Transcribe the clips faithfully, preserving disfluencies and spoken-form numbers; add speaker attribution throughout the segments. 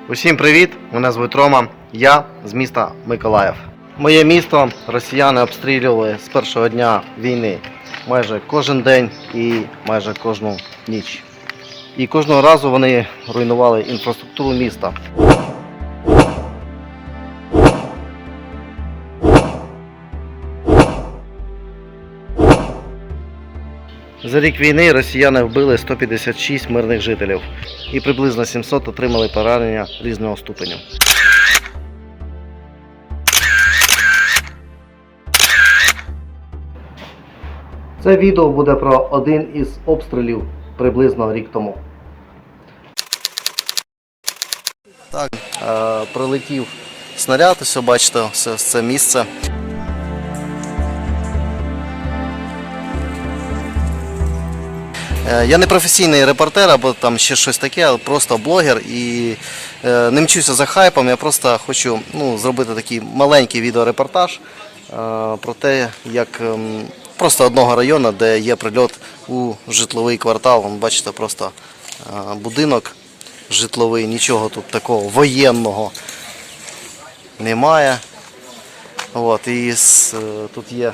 Speaker 1: Усім привіт! Мене звуть Рома, я з міста Миколаїв. Моє місто росіяни обстрілювали з першого дня війни майже кожен день і майже кожну ніч. І кожного разу вони руйнували інфраструктуру міста. За рік війни росіяни вбили сто п'ятдесят шість мирних жителів і приблизно сімсот отримали поранення різного ступеню. Це відео буде про один із обстрілів приблизно рік тому. Так, е, прилетів снаряд, ось бачите, ось це місце. Я не професійний репортер або там ще щось таке, а просто блогер і е, не мчуся за хайпом, я просто хочу ну, зробити такий маленький відеорепортаж е, про те, як е, просто одного району, де є прильот у житловий квартал. Вон, бачите, просто е, будинок житловий, нічого тут такого воєнного немає. От, і з, е, тут є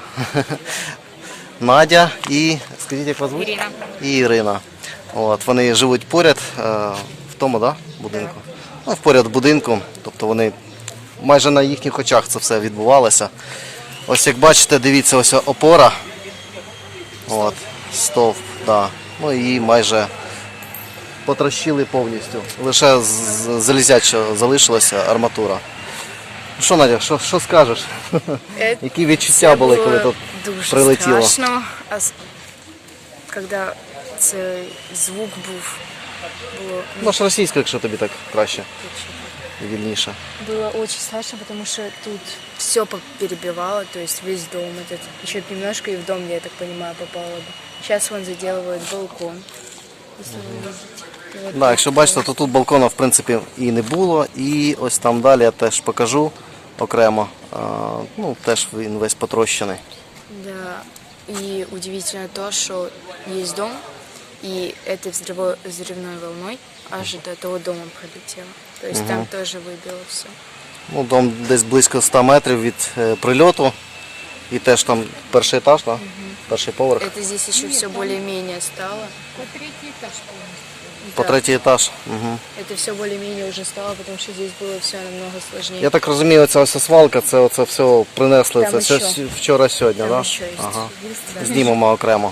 Speaker 1: Надя і, скажіть, як вас звуть?
Speaker 2: Ірина.
Speaker 1: І Ірина. От, вони живуть поряд е, в тому да, будинку. Ну, поряд будинку, тобто вони майже на їхніх очах це все відбувалося. Ось як бачите, дивіться, ось опора. От, стовп, да. Ну і майже потрощили повністю. Лише залізяча залишилася арматура. Що, Надя, що, що скажеш?
Speaker 2: Е,
Speaker 1: Які відчуття були, коли тут
Speaker 2: дуже
Speaker 1: прилетіло?
Speaker 2: Страшно, а коли цей звук був, було...
Speaker 1: Може російською, якщо тобі так краще і вільніше.
Speaker 2: Было очень страшно, потому что тут все перебивало, то есть весь дом этот, еще немножко и в дом, я так понимаю, попало бы. Сейчас вон заделывают балкон, если вы видите. Вот
Speaker 1: Да, якщо бачите, то тут балкона в принципі і не було, і ось там далі я теж покажу окремо, а, ну теж він весь потрощений.
Speaker 2: Да, и удивительно то, что есть дом, и этой взрыво- взрывной волной аж до того дома пролетело. То есть там тоже выбило все.
Speaker 1: Ну, дом десь близько ста метрів від е, прильоту, і теж там перший етаж, да? Перший поверх.
Speaker 2: Это здесь еще все более-менее стало.
Speaker 3: По третий этаж полностью.
Speaker 1: По
Speaker 2: Да,
Speaker 1: третій етаж. Угу.
Speaker 2: это все более-менее уже стало, потому что здесь было все намного сложнее.
Speaker 1: Я так розумію, ця ось свалка, це оце все принесли,
Speaker 2: Там
Speaker 1: це все
Speaker 2: ще.
Speaker 1: с- вчора-сьогодні,
Speaker 2: Там
Speaker 1: да?
Speaker 2: еще есть.
Speaker 1: Ага.
Speaker 2: Да.
Speaker 1: Знімемо окремо.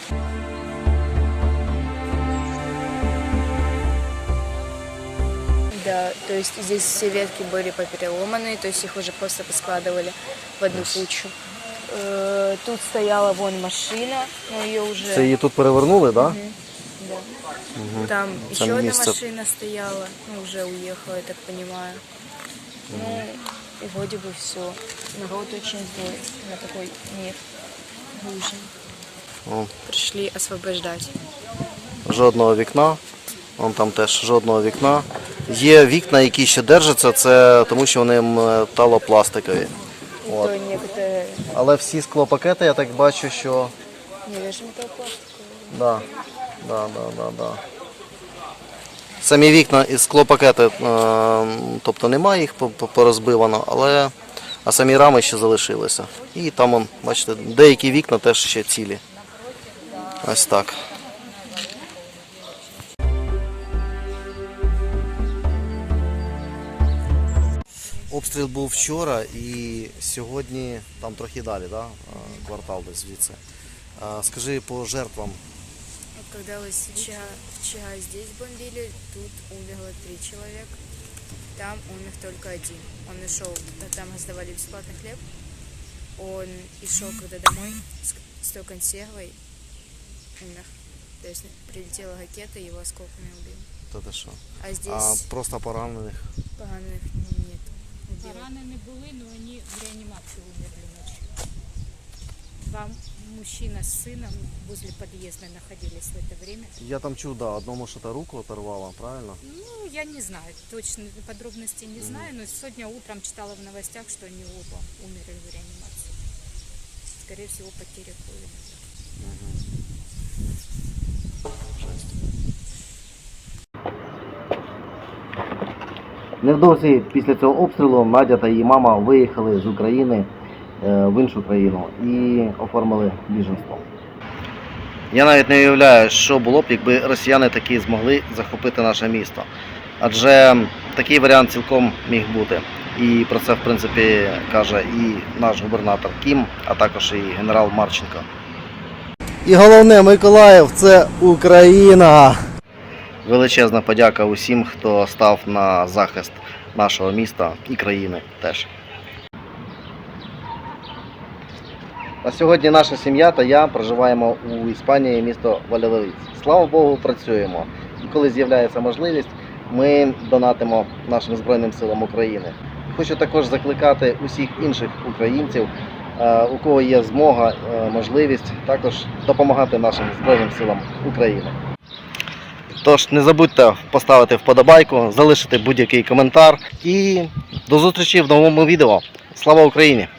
Speaker 2: Да, то есть здесь все ветки были попереломаны, то есть их уже просто поскладывали в одну кучу. Э, Тут стояла вон машина, но ее уже...
Speaker 1: Це її тут перевернули, так? Да?
Speaker 2: Да. Там
Speaker 1: Там
Speaker 2: еще одна
Speaker 1: место.
Speaker 2: машина стояла, ну уже уехала, я так понимаю. Ну и вроде бы все. Народ очень злой на такой мир нужен.
Speaker 1: О.
Speaker 2: Пришли освобождать.
Speaker 1: Жодного вікна. Вон там теж жодного вікна. Є вікна, які ще держаться, це тому що вони металопластикові. От.
Speaker 2: То некоторые...
Speaker 1: Але всі склопакети, я так бачу, що
Speaker 2: Не вижу металлопластиковые.
Speaker 1: да, да, да, да, да. Самі вікна і склопакети, е, тобто немає їх по- по- порозбивано, але а самі рами ще залишилися. І там, он, бачите, деякі вікна теж ще цілі. Ось так. Обстріл був вчора і сьогодні там трохи далі, да? Квартал десь звідси. А, скажи по жертвам.
Speaker 2: Вот когда вот сейчас, вчера здесь бомбили, тут умерло три человека. Там умер только один. Он и шел, там раздавали бесплатный хлеб. Он и шел когда домой с, с той консервой, умер. То есть прилетела ракета, его осколками убили.
Speaker 1: Та ти що?
Speaker 2: А здесь
Speaker 1: А просто поранених.
Speaker 2: поганых нет. Убили.
Speaker 3: Ранены были, но они в реанимации умерли ночью. Два мужчина с сыном возле подъезда находились в это время.
Speaker 1: Я там чув, да, одному що-то руку оторвало, правильно?
Speaker 3: Ну, я не знаю, точно подробностей не знаю, но сегодня утром читала в новостях, что они оба умерли в реанимации. Скорее всего, потеря крови.
Speaker 1: Невдовзі після цього обстрілу Надя та її мама виїхали з України е, в іншу країну і оформили біженство. Я навіть не уявляю, що було б, якби росіяни таки змогли захопити наше місто. Адже такий варіант цілком міг бути. І про це, в принципі, каже і наш губернатор Кім, а також і генерал Марченко. І головне, Миколаїв – це Україна! Величезна подяка усім, хто став на захист нашого міста і країни теж. На сьогодні наша сім'я та я проживаємо у Іспанії, місто Вальядолид. Слава Богу, працюємо. І коли з'являється можливість, ми донатимо нашим Збройним силам України. Хочу також закликати усіх інших українців, у кого є змога, можливість, також допомагати нашим Збройним силам України. Тож не забудьте поставити вподобайку, залишити будь-який коментар і до зустрічі в новому відео. Слава Україні!